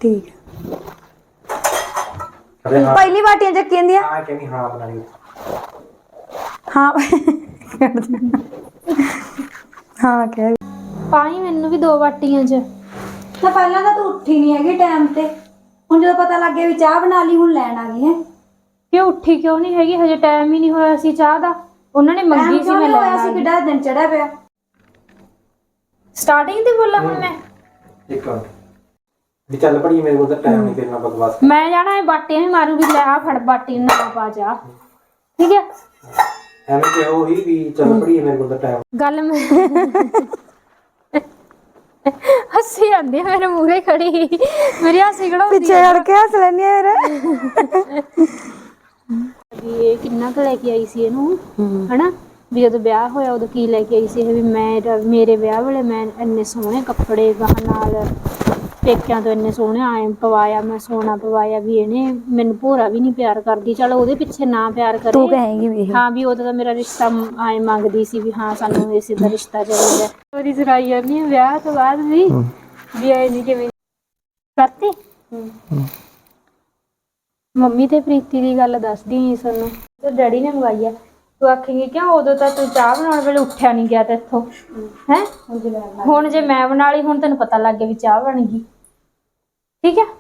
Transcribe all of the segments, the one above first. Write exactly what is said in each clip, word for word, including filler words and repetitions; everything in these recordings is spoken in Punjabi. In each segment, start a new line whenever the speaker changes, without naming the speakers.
ठीक है पहली बाटियां चक्की आंदियां हां कहनी हां बना ली हां हां कह
पाई मैनू भी दो बाटियां च
तो पहला तो तू उठी नहीं हैगी टाइम ते हुन जदों पता लग गया भी चाह बना ली हुन लैन आ गई है
क्यों उठी क्यों नहीं हैगी हजे टाइम ही नहीं होया सी चाह दा उन्होंने मंगी सी मैं लैन आ गई
किड्डा दिन चढ़ा पिया
स्टार्टिंग ते बोला हुन मैं
एक मिनट भी चल पड़ी मेरे को तो टाइम नहीं फिर मैं बकवास
मैं जाना है बाटियां भी मारूंगी ले आ फड़ बाटी ना पा जा ठीक है
ਐਵੇਂ ਕਿ ਉਹ ਹੀ ਵੀ ਚੱਲ ਪੜੀ ਮੇਰੇ ਕੋਲ ਤਾਂ ਟਾਈਮ
ਗੱਲ ਮੈਂ ਹੱਸੀ ਆਂਦੀ ਮੇਰੇ ਮੂਹਰੇ ਖੜੀ ਮੇਰੀ ਹਾਸੀ ਖੜਾਉਂਦੀ
ਪਿੱਛੇ ਹੜ ਕੇ ਹੱਸ ਲੈਣੀ ਮੇਰੇ
ਵੀ ਇਹ ਕਿੰਨਾ ਕੁ ਲੈ ਕੇ ਆਈ ਸੀ ਇਹਨੂੰ ਹਨਾ ਵੀ ਜਦੋਂ ਵਿਆਹ ਹੋਇਆ ਉਦੋਂ ਕੀ ਲੈ ਕੇ ਆਈ ਸੀ ਇਹ ਵੀ ਮੈਂ ਮੇਰੇ ਵਿਆਹ ਵੇਲੇ ਮੈਂ ਇੰਨੇ ਸੋਹਣੇ ਕੱਪੜੇ ਗਾਹ ਨਾਲ ਪੇਕਿਆਂ ਤੋਂ ਇੰਨੇ ਸੋਹਣੇ ਆਏ ਪਵਾਇਆ ਮੈਂ ਸੋਨਾ ਪਵਾਇਆ ਵੀ ਇਹਨੇ ਮੈਨੂੰ ਭੋਰਾ ਵੀ ਨਹੀਂ ਪਿਆਰ ਕਰਦੀ ਚਲ ਉਹਦੇ ਪਿੱਛੇ ਨਾ ਪਿਆਰ ਕਰੇ
ਤੂੰ ਕਹੇਂਗੀ ਵੀ
ਹਾਂ ਵੀ ਉਦੋਂ ਤਾਂ ਮੇਰਾ ਰਿਸ਼ਤਾ ਆਏ ਮੰਗਦੀ ਸੀ ਵੀ ਹਾਂ ਸਾਨੂੰ ਇਸੇ ਦਾ ਰਿਸ਼ਤਾ ਚਾਹੀਦਾ ਉਹਦੀ ਸੁਣਾਈ ਜਾਂਦੀ ਹੈ ਵਿਆਹ ਤੋਂ ਬਾਅਦ ਵੀ ਵੀ ਆਏ ਨਹੀਂ ਕਿਵੇਂ ਕਰਤੀ ਮੰਮੀ ਤੇ ਪ੍ਰੀਤੀ ਦੀ ਗੱਲ ਦੱਸਦੀ ਸੀ ਸਾਨੂੰ ਤੇ ਡੈਡੀ ਨੇ ਮੰਗਾਈ ਆ ਤੂੰ ਆਖੇਂਗੀ ਕਿਉਂ ਉਦੋਂ ਤਾਂ ਤੂੰ ਚਾਹ ਬਣਾਉਣ ਵੇਲੇ ਉੱਠਿਆ ਨਹੀਂ ਗਿਆ ਤੇ ਇੱਥੋਂ ਹੈ ਹੁਣ ਜੇ ਮੈਂ ਬਣਾ ਲਈ ਹੁਣ ਤੈਨੂੰ ਪਤਾ ਲੱਗ ਗਿਆ ਵੀ ਚਾਹ ਬਣ ਗਈ ਠੀਕ ਹੈ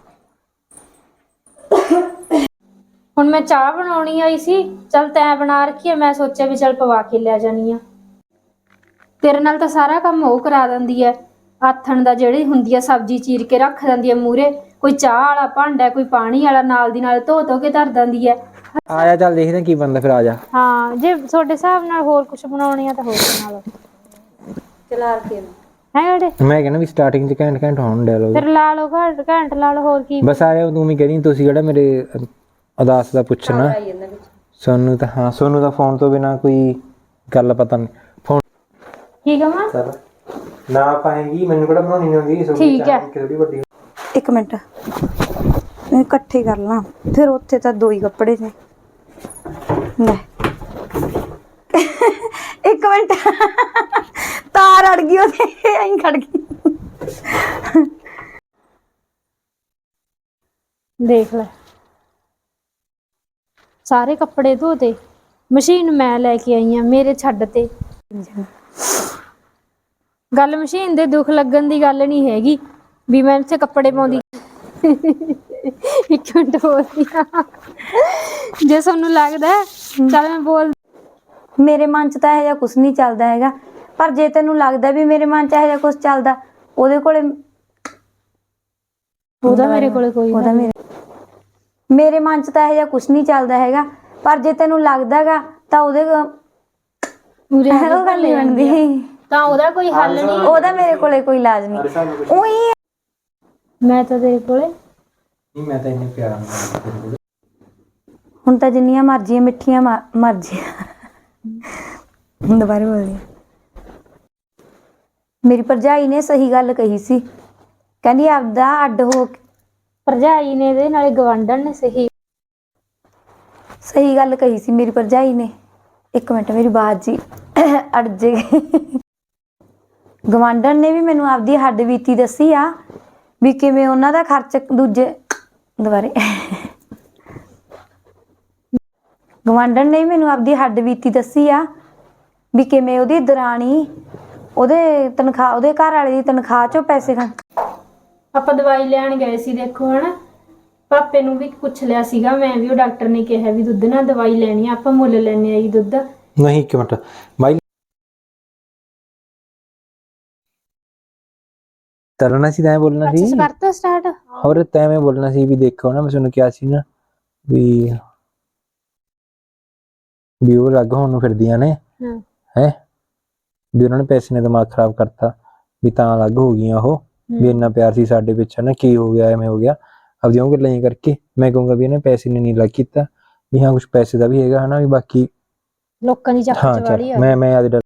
ਹੁਣ ਮੈਂ ਚਾਹ ਬਣਾਉਣੀ ਆਈ ਸੀ ਚਲ ਤੈਂ ਬਣਾ ਰੱਖੀ ਹੈ ਮੈਂ ਸੋਚਿਆ ਵੀ ਚਲ ਪਵਾ ਕੇ ਲੈ ਜਾਣੀ ਆ ਤੇਰੇ ਨਾਲ ਤਾਂ ਸਾਰਾ ਕੰਮ ਉਹ ਕਰਾ ਦਿੰਦੀ ਹੈ ਆਥਣ ਦਾ ਜਿਹੜੀ ਹੁੰਦੀ ਆ ਸਬਜ਼ੀ ਚੀਰ ਕੇ ਰੱਖ ਦਿੰਦੀ ਹੈ ਮੂਹਰੇ ਕੋਈ ਚਾਹ ਵਾਲਾ ਭਾਂਡਾ ਕੋਈ ਪਾਣੀ ਵਾਲਾ ਨਾਲ ਦੀ ਨਾਲ ਧੋ ਧੋ ਕੇ ਧਰ ਦਿੰਦੀ ਹੈ
ਆ ਜਾ ਚੱਲ ਦੇਖਦੇ ਕੀ ਬੰਦਾ ਫਿਰ ਆ ਜਾ
ਹਾਂ ਜੇ ਤੁਹਾਡੇ ਹਿਸਾਬ ਨਾਲ ਹੋਰ ਕੁਝ ਬਣਾਉਣੀ ਆ ਤਾਂ ਹੋਰ ਬਣਾ ਲਓ ਚਲਾ ਕੇ ਹੈ ਜਿਹੜੇ
ਮੈਂ ਕਹਿੰਦਾ ਵੀ ਸਟਾਰਟਿੰਗ ਚ ਘੰਟ ਘੰਟ ਹੋਣ ਡਿਆਲੋਗ
ਫਿਰ ਲਾ ਲਓ ਘੰਟ ਘੰਟ ਲਾ ਲਓ ਹੋਰ ਕੀ
ਬਸ ਆਇਆ ਤੂੰ ਵੀ ਕਹਿੰਦੀ ਤੁਸੀਂ ਜਿਹੜਾ ਮੇਰੇ ਅਦਾਸ ਦਾ ਪੁੱਛਣਾ ਸੋਨੂੰ ਤਾਂ ਹਾਂ ਸੋਨੂੰ ਦਾ ਫੋਨ ਤੋਂ ਬਿਨਾ ਕੋਈ ਗੱਲ ਪਤਾ ਨਹੀਂ ਫੋਨ
ਕੀ ਕਹਾਂ
ਸਰ ਨਾ ਪਾਏਗੀ ਮੈਨੂੰ ਕਿਹੜਾ ਬਣਾਉਣੀ ਨਹੀਂ ਆਉਂਦੀ
ਠੀਕ ਹੈ
ਥੋੜੀ ਵੱਡੀ ਇੱਕ ਮਿੰਟ ਇਕੱਠੇ ਕਰ ਲਾਂ ਫਿਰ ਉੱਥੇ ਤਾਂ ਦੋ ਹੀ ਕੱਪੜੇ ਨੇ ਲੈ ਇੱਕ ਮਿੰਟ ਤਾਰ ਅੜ ਗਈ ਉਹਦੇ ਐਂ ਖੜ ਗਈ
ਦੇਖ ਲੈ ਸਾਰੇ ਕੱਪੜੇ ਧੋਤੇ ਮਸ਼ੀਨ ਮੈਂ ਲੈ ਕੇ ਆਈ ਆ ਮੇਰੇ ਛੱਡ ਤੇ ਗੱਲ ਮਸ਼ੀਨ ਦੇ ਦੁੱਖ ਲੱਗਣ ਦੀ ਗੱਲ ਨਹੀਂ ਹੈਗੀ ਵੀ ਮੈਂ ਇੱਥੇ ਕੱਪੜੇ ਪਾਉਂਦੀ ਇੱਕ ਮਿੰਟ ਬੋਲਦੀ ਆ ਜੇ ਤੁਹਾਨੂੰ ਲੱਗਦਾ ਚੱਲ ਮੈਂ ਬੋਲ
ਮੇਰੇ ਮਨ ਚ ਤਾਂ ਇਹ ਜਿਹਾ ਕੁਛ ਨਹੀਂ ਚੱਲਦਾ ਹੈਗਾ ਪਰ ਜੇ ਤੈਨੂੰ ਲੱਗਦਾ ਵੀ ਮੇਰੇ ਮਨ ਚ ਇਹ ਜਿਹਾ ਕੁਛ ਚੱਲਦਾ ਉਹਦੇ ਕੋਲੇ
ਉਹਦਾ ਮੇਰੇ ਕੋਲੇ ਕੋਈ
ਉਹਦਾ ਮੇਰੇ ਮੇਰੇ ਮਨ ਚ ਤਾਂ ਇਹ ਜਿਹਾ ਕੁਛ ਨਹੀਂ ਚੱਲਦਾ ਹੈਗਾ ਪਰ ਜੇ ਤੈਨੂੰ ਲੱਗਦਾਗਾ ਤਾਂ ਉਹਦੇ
ਪੂਰੇ
ਉਹ ਗੱਲ ਨਹੀਂ ਬਣਦੀ
ਤਾਂ ਉਹਦਾ ਕੋਈ ਹੱਲ ਨਹੀਂ
ਉਹਦਾ ਮੇਰੇ ਕੋਲੇ ਕੋਈ ਇਲਾਜ ਨਹੀਂ ਉਹੀ
ਮੈਂ ਤਾਂ ਤੇਰੇ ਕੋਲੇ
ਨਹੀਂ ਮੈਂ ਤਾਂ ਇੰਨੇ ਪਿਆਰ ਨਾਲ ਹੁਣ ਤਾਂ ਜਿੰਨੀਆਂ ਮਰਜ਼ੀਆਂ ਮਿੱਠੀਆਂ ਮਰਜ਼ੀਆਂ ਦੁਬਾਰਾ ਬੋਲਦੀ ਮੇਰੀ ਭਰਜਾਈ ਨੇ ਸਹੀ ਗੱਲ ਕਹੀ ਸੀ ਕਹਿੰਦੀ ਆਪਦਾ ਅੱਡ ਹੋ
ਭਰਜਾਈ ਨੇ ਇਹਦੇ ਨਾਲੇ ਗਵਾਂਢਣ ਨੇ ਸਹੀ
ਸਹੀ ਗੱਲ ਕਹੀ ਸੀ ਮੇਰੀ ਭਰਜਾਈ ਨੇ ਇੱਕ ਮਿੰਟ ਮੇਰੀ ਬਾਤ ਜੀ ਅੜ ਜੇ ਗਵਾਂਢਣ ਨੇ ਵੀ ਮੈਨੂੰ ਆਪਦੀ ਹੱਡ ਬੀਤੀ ਦੱਸੀ ਆ ਵੀ ਕਿਵੇਂ ਉਹਨਾਂ ਦਾ ਖਰਚ ਦੂਜੇ ਦੁਬਾਰੇ ਗਵਾਂਢਣ ਨੇ ਮੈਨੂੰ ਆਪਦੀ ਹੱਡ ਬੀਤੀ ਦੱਸੀ ਆ ਵੀ ਕਿਵੇਂ ਉਹਦੀ ਦਰਾਣੀ ਉਹਦੇ ਤਨਖਾਹ ਉਹਦੇ ਘਰ ਵਾਲੇ ਦੀ ਤਨਖਾਹ ਚੋਂ ਪੈਸੇ ਖਾ
ਆਪਾਂ ਦਵਾਈ ਲੈਣ ਗਏ ਸੀ ਦੇਖੋ ਹਨਾ ਪਾਪੇ ਨੂੰ ਵੀ ਪੁੱਛ ਲਿਆ ਸੀਗਾ ਮੈਂ ਵੀ ਉਹ ਡਾਕਟਰ ਨੇ ਕਿਹਾ ਵੀ ਦੁੱਧ ਨਾਲ ਦਵਾਈ ਲੈਣੀ ਆ ਆਪਾਂ ਮੁੱਲ ਲੈਣੇ ਆ ਜੀ ਦੁੱਧ
ਨਹੀਂ ਇੱਕ ਮਿੰਟ ਬਾਈ ਤਰਨਾ ਸੀ ਤਾਂ ਬੋਲਣਾ ਸੀ
ਅੱਛਾ ਕਰਤਾ ਸਟਾਰਟ
ਹੋਰ ਤੈਵੇਂ ਬੋਲਣਾ ਸੀ ਵੀ ਦੇਖੋ ਨਾ ਮੈਂ ਤੁਹਾਨੂੰ ਕਿਹਾ ਸੀ ਨਾ ਵੀ ਵੀ ਉਹ ਲੱਗ ਹੋਣ ਨੂੰ ਫਿਰਦੀਆਂ ਨੇ ਹੈ ਵੀ ਉਹਨਾਂ ਨੇ ਪੈਸੇ ਨੇ ਦਿਮਾਗ ਖਰਾਬ ਕਰਤਾ ਵੀ ਤਾਂ ਅਲੱਗ ਹੋ ਗਈਆਂ ਉਹ ਵੀ ਇੰਨਾ ਪਿਆਰ ਸੀ ਸਾਡੇ ਵਿੱਚ ਨਾ ਕੀ ਹੋ ਗਿਆ ਐਵੇਂ ਹੋ ਗਿਆ ਆਪਦੀਆਂ ਉਹ ਗੱਲਾਂ ਕਰਕੇ ਮੈਂ ਕਹੂੰਗਾ ਵੀ ਇਹਨੇ ਪੈਸੇ ਨੇ ਨਹੀਂ ਲੱਗ ਕੀਤਾ ਵੀ ਹਾਂ ਕੁਝ ਪੈਸੇ ਦਾ ਵੀ ਹੈਗਾ ਹਨਾ ਵੀ ਬਾਕੀ
ਲੋਕਾਂ ਦੀ ਚੱਕ ਚਵਾੜੀ ਆ
ਮੈਂ ਮੈਂ